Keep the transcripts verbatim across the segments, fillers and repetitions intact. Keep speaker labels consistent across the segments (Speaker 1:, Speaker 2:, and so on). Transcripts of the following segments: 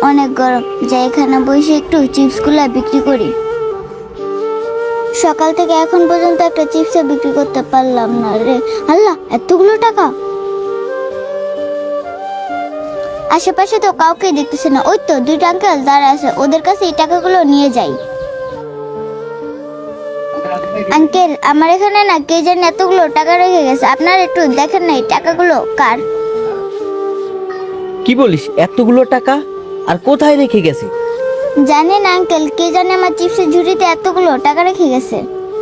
Speaker 1: অনেক গরম, যাই এখানে বসে একটু চিপসগুলো বিক্রি করি। সকাল থেকে এখন পর্যন্ত একটা চিপস বিক্রি করতে পারলাম না রে। আল্লাহ, এতগুলো টাকা! আশেপাশে তো কাউকে দেখতেছে না। ওই তো দুইটা আঙ্কেল দাঁড়া আছে, ওদের কাছে এই টাকাগুলো নিয়ে যাই। আঙ্কেল, আমার এখানে না কে জানি এতগুলো টাকা রেখে গেছে, আপনারা একটু দেখেন না এই টাকাগুলো কার।
Speaker 2: কি বলিস, এতগুলো টাকা? আর কোথায় রেখে গেছে?
Speaker 1: জানেন আঙ্কেল, কে জানে আমার চিপসের ঝুড়িতে এতগুলো টাকা রেখে গেছে।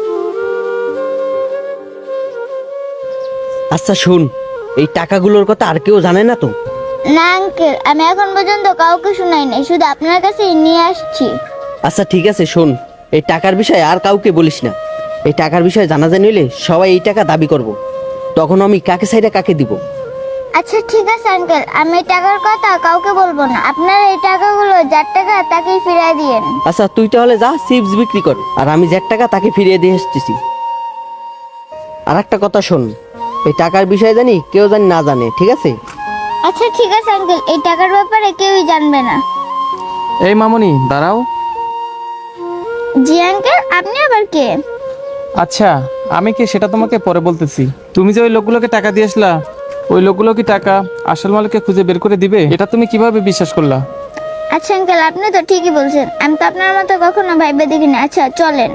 Speaker 2: আচ্ছা শোন, এই টাকাগুলোর কথা আর কেউ জানে না তো?
Speaker 1: না আঙ্কেল, আমি এখন পর্যন্ত কাউকে শোনাই নাই, শুধু আপনার কাছেই নিয়ে আসছি।
Speaker 2: আচ্ছা ঠিক আছে, শোন, এই টাকার বিষয়ে আর কাউকে বলিস না। এই টাকার বিষয়ে জানাজানি হইলে সবাই এই টাকা দাবি করব, তখন আমি কাকে সাইডে কাকে দিব।
Speaker 1: আচ্ছা ঠিক আছে আঙ্কেল, আমি এই টাকার কথা কাউকে বলবো না। আপনার এই টাকাগুলো যার টাকা তাকেই ফিরিয়ে দিয়েন।
Speaker 2: আচ্ছা তুই তাহলে যা চিপস বিক্রি কর, আর আমি যার টাকা তাকে ফিরিয়ে দিয়ে এসতেছি। আর একটা কথা শোন, এই টাকার বিষয়ে জানি কেউ জানি না জানে, ঠিক আছে?
Speaker 1: আচ্ছা ঠিক আছে আঙ্কেল, এই টাকার ব্যাপারে কেউই জানবে না।
Speaker 3: এই মামুনি দাঁড়াও।
Speaker 1: জি আঙ্কেল, আপনি আবার কে?
Speaker 3: আচ্ছা, আমি কে সেটা তোমাকে পরে বলতেছি। তুমি যে ওই লোকগুলোকে টাকা দিয়ে আসলা, ওই লোকগুলো কি টাকা আসল মালিককে খুঁজে বের করে দিবে? এটা তুমি কিভাবে বিশ্বাস করলা?
Speaker 1: আচ্ছা আঙ্কেল, আপনি তো ঠিকই বলছেন, আমি তো আপনার মতো কখনো ভাইবে দেখিনি। আচ্ছা চলেন।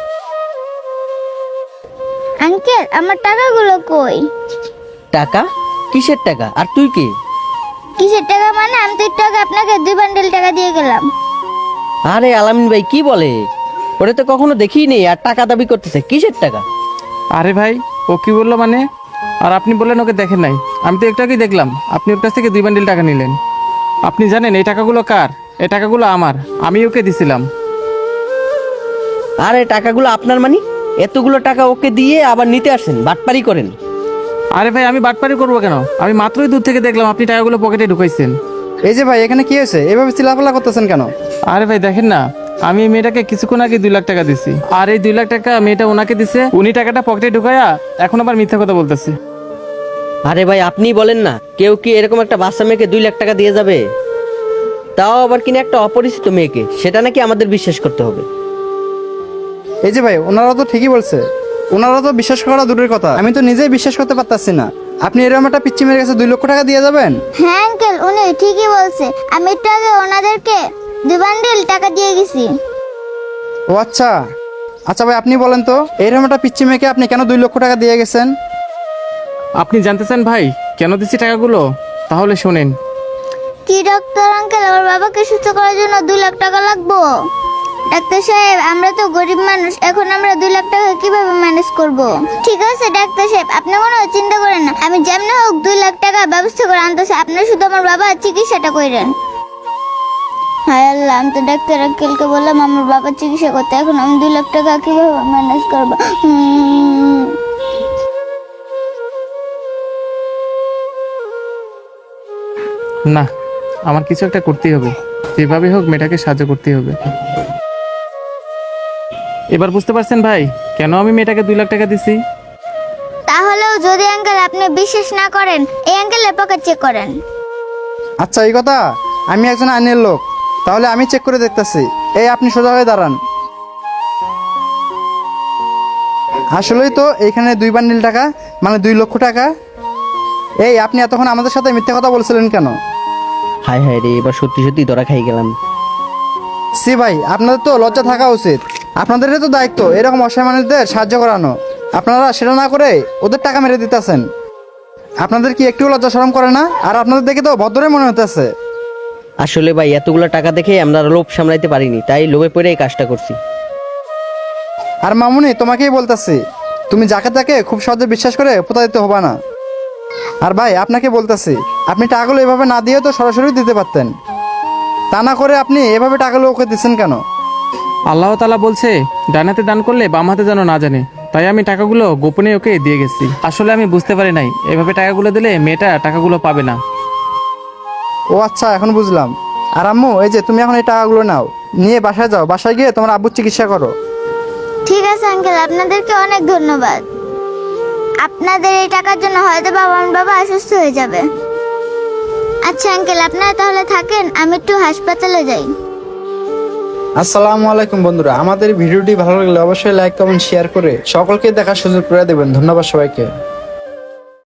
Speaker 1: আঙ্কেল, আমার টাকাগুলো কই?
Speaker 2: টাকা? কিসের টাকা? আর তুই কে?
Speaker 1: কিসের টাকা মানে? আমি তো একটু আগে আপনাকে দুই বান্ডেল টাকা দিয়ে গেলাম।
Speaker 2: আরে আলামিন ভাই, কি বলে? ওরে তো কখনো দেখিই নেই, আর টাকা দাবি করতেছে। কিসের টাকা?
Speaker 3: আরে ভাই, ও কি বললো মানে? আর আপনি বললেন ওকে দেখেন নাই। আমি তো একটু আগেই দেখলাম আপনি ওর কাছ থেকে দুই বান্ডিল টাকা নিলেন। আপনি জানেন এই টাকাগুলো কার? এই টাকাগুলো আমার, আমি ওকে দিছিলাম।
Speaker 2: আরে টাকাগুলো আপনার মানে? এতগুলো টাকা ওকে দিয়ে আবার নিতে আসেন, বাটপারি করেন।
Speaker 3: আরে ভাই, আমি বাটপারি করবো কেন? আমি মাত্রই দূর থেকে দেখলাম আপনি টাকাগুলো পকেটে ঢুকাইছেন।
Speaker 4: এই যে ভাই, এখানে কি হয়েছে? এভাবে চিল্লাপাল্লা করতেছেন কেন?
Speaker 3: আরে ভাই দেখেন না, আমি এই মেয়েটাকে কিছুক্ষণ আগে দুই লাখ টাকা দিছি, আর এই দুই লাখ টাকা মেয়েটা ওনাকে দিছে। উনি টাকাটা পকেটে ঢুকায়া এখন আবার মিথ্যা কথা বলতেছে।
Speaker 2: আরে ভাই আপনি বলেন না, কেউ কি এরকম একটা বাচ্চা মেয়েকে দুই লাখ টাকা দিয়ে যাবে? তাও আবার কিনা একটা অপরিচিত মেয়েকে, সেটা নাকি আমাদের বিশ্বাস করতে হবে?
Speaker 4: এই যে ভাই, ওনারা তো ঠিকই বলছে। ওনারা তো বিশ্বাস করা দূরের কথা, আমি তো নিজেই বিশ্বাস করতে পারতাছি না। আপনি এরকম একটা পিচ্চি মেয়ের কাছে দুই লক্ষ টাকা দিয়ে যাবেন?
Speaker 1: হ্যাঁ আঙ্কেল, উনি ঠিকই বলছে, আমি একটু আগে ওনাদেরকে দুই বান্ডেল টাকা দিয়ে গেছি।
Speaker 4: ও আচ্ছা। আচ্ছা ভাই, আপনি বলেন তো, এরকম একটা পিচ্চি মেয়েকে আপনি কেন দুই লক্ষ টাকা দিয়ে গেছেন?
Speaker 3: আপনি জানতে চান ভাই কেন দিচ্ছি টাকাগুলো? তাহলে শোনেন।
Speaker 1: কি ডাক্তার আঙ্কেল, আমার বাবাকে সুস্থ করার জন্য দুই লাখ টাকা লাগবো? ডাক্তার সাহেব, আমরা তো গরিব মানুষ, এখন আমরা দুই লাখ টাকা কিভাবে ম্যানেজ করব? ঠিক আছে ডাক্তার সাহেব, আপনি কোনো চিন্তা করেন না, আমি যেমন হোক দুই লাখ টাকা ব্যবস্থা করে আনতেছি। আপনার শুধু আমার বাবার চিকিৎসাটা করেন। হায় আল্লাহ, আমি তো ডাক্তার আঙ্কেলকে বললাম আমার বাবার চিকিৎসা করতে, এখন আমি দুই লাখ টাকা কিভাবে ম্যানেজ করবো? হুম।
Speaker 3: না, আমার কিছু একটা করতেই হবে, যেভাবে হোক মেয়েটাকে সাহায্য করতেই হবে। এবার বুঝতে পারছেন ভাই কেন আমি মেয়েটাকে দুই লাখ টাকা দিছি?
Speaker 1: তাহলেও যদি আঙ্কেল আপনি বিশ্বাস না করেন, এই আঙ্কেলের পকেট চেক করেন।
Speaker 4: আচ্ছা এই কথা? আমি একজন আইনের লোক, তাহলে আমি চেক করে দেখতেছি। এই আপনি সোজা হয়ে দাঁড়ান। আসলেই তো এইখানে দুই বান্ডিল টাকা, মানে দুই লক্ষ টাকা। এই আপনি এতক্ষণ আমাদের সাথে মিথ্যা কথা বলছিলেন কেন?
Speaker 2: হায় হায় রে, এবার সত্যি সত্যি ধরা খাই গেলাম।
Speaker 4: সি ভাই, আপনাদের তো লজ্জা থাকা উচিত। আপনাদেরই তো দায়িত্ব এরকম অসহায় মানুষদের সাহায্য করানো, আপনারা সেটা না করে ওদের টাকা মেরে দিতেছেন। আপনাদের কি একটু লজ্জা শরম করে না? আর আপনাদের দেখে তো ভদ্রই মনে হতেছে।
Speaker 2: আসলে ভাই এতগুলো টাকা দেখে আমরা লোভ সামলাইতে পারিনি, তাই লোভে পড়ে এই কাজটা করছি।
Speaker 4: আর মামুনি, তোমাকেই বলতেছি, তুমি যাকে তাকে খুব সহজে বিশ্বাস করে প্রতারিত হবা না। আর ভাই আপনাকে বলতেছি, আপনি টাকাগুলো এভাবে না দিয়ে তো সরাসরি দিতে পারতেন, তা না করে আপনি এভাবে টাকাগুলো ওকে দিচ্ছেন কেন?
Speaker 3: আল্লাহ তাআলা বলছে ডান হাতে দান করলে বাম হাতে যেন না জানে, তাই আমি টাকাগুলো গোপনে ওকে দিয়ে গেছি। আসলে আমি বুঝতে পারি নাই এভাবে টাকাগুলো দিলে মেয়েটা টাকাগুলো পাবে না।
Speaker 4: ও আচ্ছা, এখন বুঝলাম। আর আম্মু, এই যে তুমি এখন এই টাকাগুলো নাও, নিয়ে বাসায় যাও, বাসায় গিয়ে তোমার আব্বুর চিকিৎসা করো।
Speaker 1: ঠিক আছে আঙ্কেল, আপনাদেরকে অনেক ধন্যবাদ। আপনাদের এই টাকার জন্য হয়তো বাবা আমার বাবা অসুস্থ হয়ে যাবে। আচ্ছা আঙ্কেল, আপনারা তাহলে থাকেন, আমি একটু হাসপাতালে যাই।
Speaker 4: আসসালামু আলাইকুম বন্ধুরা, আমাদের ভিডিওটি ভালো লাগলে অবশ্যই লাইক কমেন্ট শেয়ার করে সকলকে দেখার সুযোগ করে দেবেন। ধন্যবাদ সবাইকে।